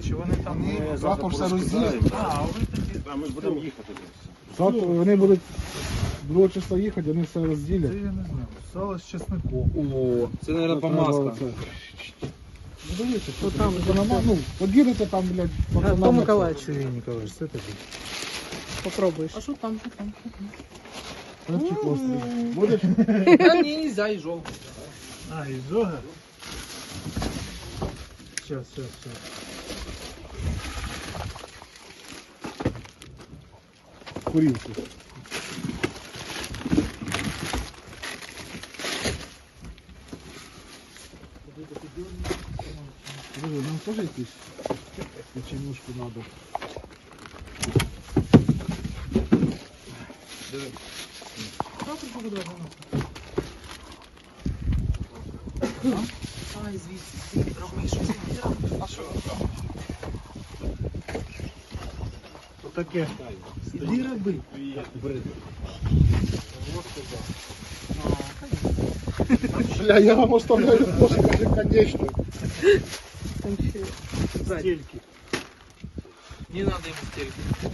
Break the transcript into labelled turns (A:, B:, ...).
A: чи вони там...
B: Ми
C: завтра все
B: порозкидаємо.
C: розділимо.
A: А ви тоді...
B: А ми ж будемо їхати.
C: Завтра вони будуть 2 числа їхати, вони все розділять.
A: Це я не знаю. Сало з чесником.
D: О, це, мабуть, помазка.
C: Ну, дивіться, що там, ну, поділите там, блядь, пацанам.
A: Антон Миколаївич, Юрій Ніколаївич, це тобі.
E: Попробуєш.
D: А що там?
C: Хлебчик острий. Будеш?
D: Та ні, нельзя, і жовт.
A: А, і зога? Щас.
C: Курілку. Друзі, нам теж якісь печенюшку треба.
D: Ай, звідси, роби щось. А що?
A: Отаке. Іди роби.
C: Бля, я вам оставляю тоже, конечно.
A: Стільки.
D: Не надо ему стельки.